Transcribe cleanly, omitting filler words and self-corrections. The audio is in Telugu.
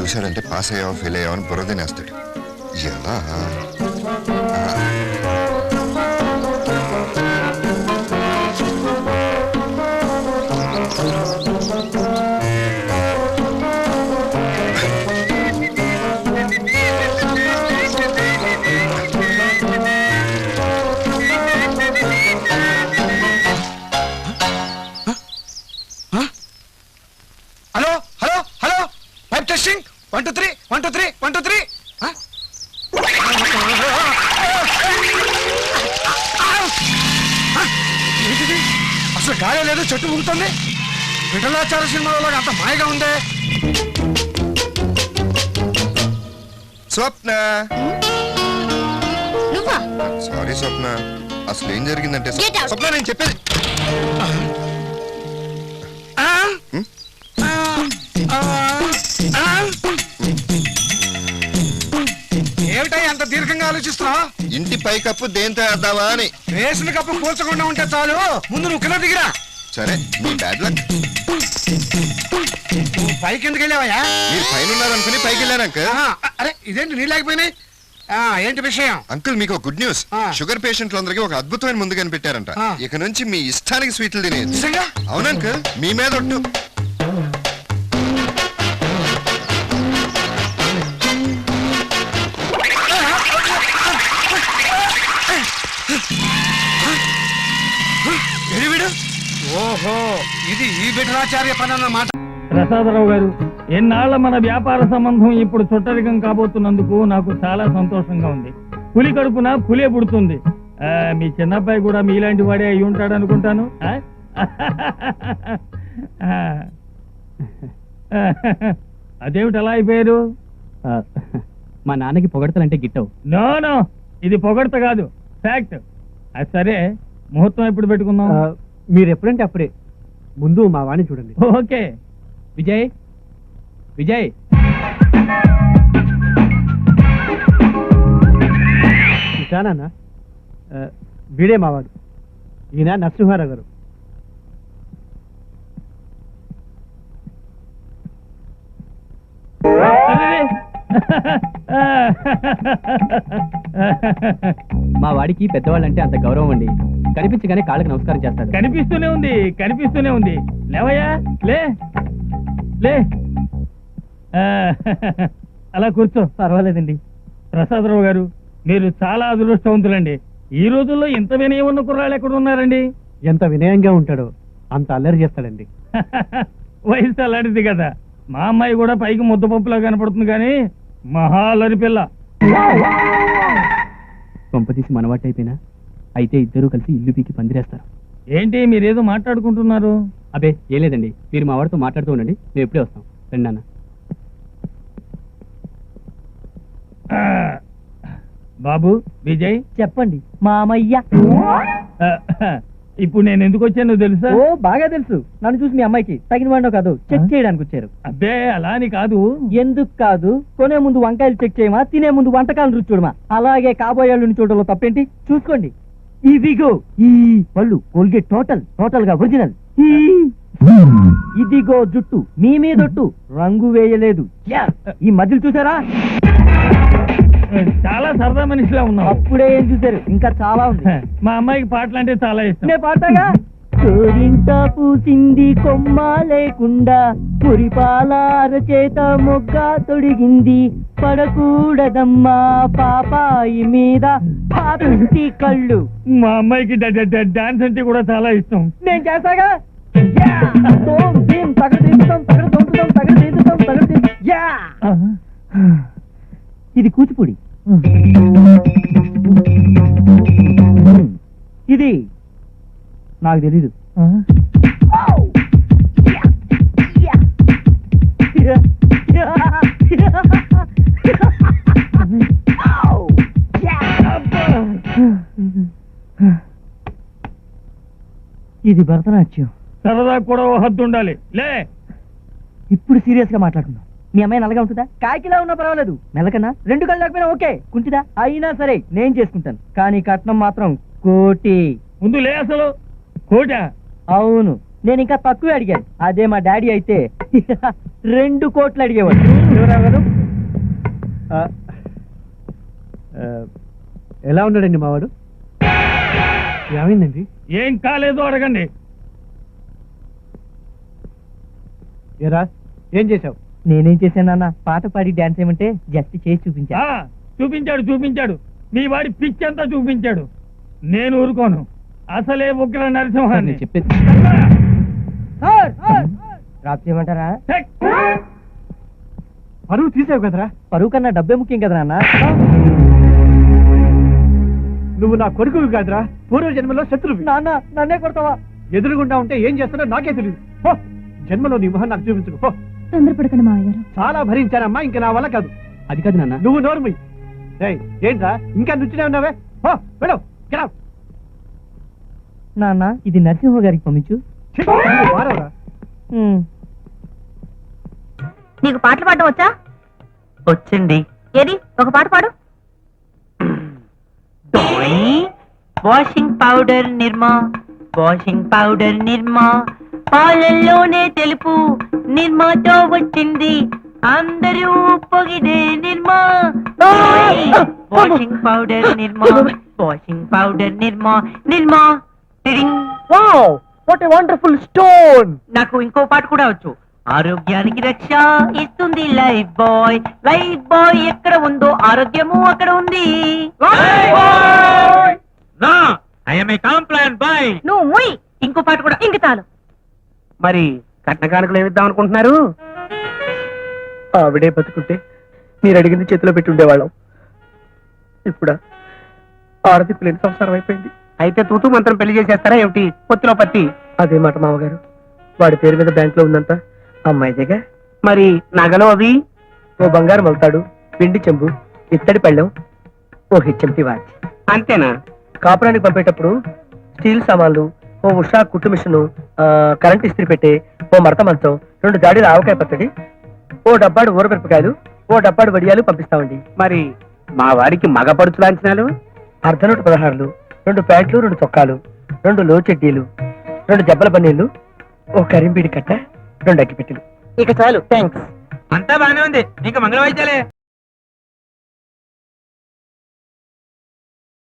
చూశాడంటే పాస్ అయ్యావా ఫెయిల్ అయ్యావా అని బుర్ర తినేస్తాడు. ఎలా అసలు గాలి లేదు, చెట్టు ఊగుతుంది. విఠలాచార్య సినిమాలో అంత మాయగా ఉందే. స్వప్న, సారీ స్వప్న, అసలు ఏం జరిగిందంటే స్వప్న నేను చెప్పేది ఏమిటా అంత దీర్ఘంగా ఆలోచిస్తున్నావు? ఇంటి పైకప్పు దేంతో వేద్దామా అని. రేసిన కప్పు కూల్చకుండా ఉంటే చాలు, ముందు నువ్వు కింద దిగిరా. సరే, మీ బ్యాడ్ లక్. పైకి ఎందుకు వెళ్ళావయ్యా? మీరు పైన ఉన్నారనుకుని పైకి వెళ్ళాను అంకుల్. అరే ఇదేంటి నీ లేకపోయినాయి? ఏంటి విషయం? అంకుల్ మీకు గుడ్ న్యూస్. షుగర్ పేషెంట్లందరికీ ఒక అద్భుతమైన ముందు కనిపెట్టారంట. ఇక నుంచి మీ ఇష్టానికి స్వీట్లు తినేది. అవును అంకుల్, మీ మీద ఒట్టు. ఓహో, ఇది ఈ విఠలాచార్య పని అన్నమాట. ప్రసాదరావు గారు, ఎన్నాళ్ల మన వ్యాపార సంబంధం ఇప్పుడు చుట్టరికం కాబోతున్నందుకు నాకు చాలా సంతోషంగా ఉంది. పులి కడుపున పులే పుడుతుంది. మీ చిన్నబ్బాయి కూడా మీలాంటి వాడే అయి ఉంటాడు అనుకుంటాను. అదేమిటి అలా అయిపోయారు? మా నాన్నకి పొగడతలంటే గిట్టవు. నో, ఇది పొగడత కాదు, ఫ్యాక్ట్. అది సరే, ముహూర్తం ఎప్పుడు పెట్టుకుందాం? మీరు ఎప్పుడంటే అప్పుడే. ముందు మా వాణి చూడండి. ఓకే. విజయ్, నాన్న, వీడే మావాడు. ఈయన నరసింహారావు గారు. మా వాడికి పెద్దవాళ్ళంటే అంత గౌరవం అండి. కనిపించగానే కాళ్ళకి నమస్కారం చేస్తాడు. కనిపిస్తూనే ఉంది. లేవయ్యా, లే. అలా కూర్చో. పర్వాలేదండి. ప్రసాదరావు గారు, మీరు చాలా అదృష్టవంతులండి. ఈ రోజుల్లో ఇంత వినయం ఉన్న కుర్రాళ్ళు ఎక్కడ ఉన్నారండి? ఎంత వినయంగా ఉంటాడో అంత అల్లరి చేస్తాడండి. వయసు అలాంటిది కదా. మా అమ్మాయి కూడా పైకి ముద్దపప్పులా కనపడుతుంది, కానీ మహా అల్లరి పిల్ల. కొంపతీసి మనవాటైపోయినా అయితే ఇద్దరూ కలిసి ఇల్లు పీకి పందిరేస్తారు. ఏంటి మీరేదో మాట్లాడుకుంటున్నారు? అబే ఏం లేదండి, మీరు మా వాడితో మాట్లాడుతూ ఉండండి, మేము ఎప్పుడే వస్తాం. రండి నాన్న. బాబు, విజయ్, చెప్పండి మామయ్య. ఇప్పుడు నేను ఎందుకు వచ్చానో తెలుసా? ఓ బాగా తెలుసు. నన్ను చూసి మీ అమ్మాయికి తగిన వాడినో కాదు చెక్ చేయడానికి వచ్చారు. అబ్బే అలా అని కాదు. ఎందుకు కాదు? కొనే ముందు వంకాయలు చెక్ చేయమా, తినే ముందు వంటకాలు రుచి చూడమా? అలాగే కాబోయేళ్ళని చూడలో తప్పేంటి? చూసుకోండి, ఇదిగో ఈ పళ్ళు కోల్గేట్ టోటల్ గా ఒరిజినల్. ఇదిగో జుట్టు మీ మీదొట్టు, రంగు వేయలేదు. ఈ మధ్యలో చూసారా? చాలా సరదా మనిషిలా ఉన్నావు. అప్పుడే ఏం చూసారు, ఇంకా చాలా ఉంది. మా అమ్మాయికి పాటలు అంటే చాలా ఇష్టం. నేను పాడతాగా. కోరింట పూసింది కొమ్మ లేకుండా, పురిపాలార చేత మొగ్గ తొడిగింది, పడకూడదమ్మా పాపాయి మీద పాపించి కళ్ళు. మా అమ్మాయికి డాన్స్ అంటే కూడా చాలా ఇష్టం. నేను చేస్తాగా. ఇది కూచిపూడి. ఇది నాకు తెలీదు. ఇది భరతనాట్యం. సరదా కూడా హద్దు ఉండాలి. లే, ఇప్పుడు సీరియస్ గా మాట్లాడుకుందాం. మీ అమ్మాయి నల్లగా ఉంటుందా? కాకిలా ఉన్నా పర్వాలేదు. మెల్లకన్నా 2 కళ్ళు లేకపోయినా ఓకే. కుంటిదా అయినా సరే నేను చేసుకుంటాను, కానీ కట్నం మాత్రం 1,00,00,000. ముందు లే. అసలు కోట? అవును, నేను ఇంకా తక్కువ అడిగాను. అదే మా డాడీ అయితే 2 కోట్లు అడిగేవాడు. ఎలా ఉన్నాడండి మావాడు? ఏమైందండి? ఏం కాలేదు అడగండి. ఏరా ఏం చేసావు? నేనేం చేశానన్న, పాట పాడి డాన్స్ ఏమంటే జస్ట్ చేసి చూపించా. చూపించాడు. మీ వాడి పిచ్చంతా చూపించాడు. నేను ఊరుకోను. అసలే ఉగ్ర నరసింహాన్ని చెప్పేది డ్రాప్ చేయమంటారా? పరువు తీసావు కదరా. పరువు కన్నా డబ్బే ముఖ్యం కదా నాన్న. నువ్వు నా కొడుకువి కాదురా, పూర్వ జన్మలో శత్రువు. నాన్న నన్నే కొడతావా? ఎదురుగుండా ఉంటే ఏం చేస్తానో నాకే తెలియదు. జన్మలో నీ మొహం నాకు చూపించుకో. తొందరపడకండి మావయ్య గారు. చాలా భరించానమ్మా, ఇంకా నా వల్ల కాదు. అది కాదు నాన్న. నువ్వు నోరుమి. ఏంట్రా ఇంకా నుంచినే ఉన్నావే? వెళ్ళు. నాన్న ఇది నరసింహ గారికి పంపించు. మారవరా? నీకు పాటలు పాడడం వచ్చా? వచ్చండి. ఏది ఒక పాట పాడు. Washing powder Nirma, washing powder Nirma, పాలల్లోనే తెలుపు నిర్మాతో వచ్చింది, అందరూ పొగిడే Nirma. Washing powder Nirma, washing powder Nirma, Nirma. Wow what a wonderful stone. నాకు ఇంకో పాట కూడా వచ్చు. ఆరోగ్యానికి రక్ష ఇస్తుంది లైఫ్ బాయ్, లైఫ్ బాయ్ ఎక్కడ ఉందో ఆరోగ్యము అక్కడ ఉంది. నువ్వు ముయ్. ఇంకో పాట కూడా. ఇంక చాలు. మరి కట్న కానుకలు ఏమిద్దాం అనుకుంటున్నారు? ఆవిడే బతుకుంటే మీరు అడిగింది చేతిలో పెట్టి ఉండేవాళ్ళం. ఇప్పుడు ఆరతి పిల్లని సంసారం అయిపోయింది. అయితే తూతూ మంత్రం పెళ్లి చేసేస్తారా ఏమిటి? పొత్తిలో పత్తి. అదే మాట మామగారు. వాడి పేరు మీద బ్యాంక్ లో ఉందంత అమ్మాయిదేగా. మరి నగలు అవి? ఓ బంగారు మలుతాడు, పిండి చెంబు, ఇత్తడి పళ్ళెం, ఓ హెచ్ఎంటి వాచ్. అంతేనా? కాపురానికి పంపేటప్పుడు స్టీల్ సామాన్లు, ఓ ఉషా కుట్టు మిషను, కరెంట్ ఇస్త్రీ పెట్టే, ఓ మడత మంచం, 2 జాడీల ఆవకాయ పచ్చడి, ఓ డబ్బాడు ఊరమిరపకాయలు, ఓ డబ్బాడు వడియాలు పంపిస్తామండి. మరి మా వారికి మగ పడుచు లాంఛనాలు? అర్ధనూట 16లు, 2 ప్యాంట్లు, 2 చొక్కాలు, 2 లో చెడ్డీలు, 2 జబ్బల పన్నీళ్లు, ఓ కరింబీడి కట్ట, 2 అగ్గిపెట్టెలు. ఇక చాలు, థ్యాంక్స్. అంతా బానే ఉంది. ఇంకా మంగళ వాయిద్యాలే.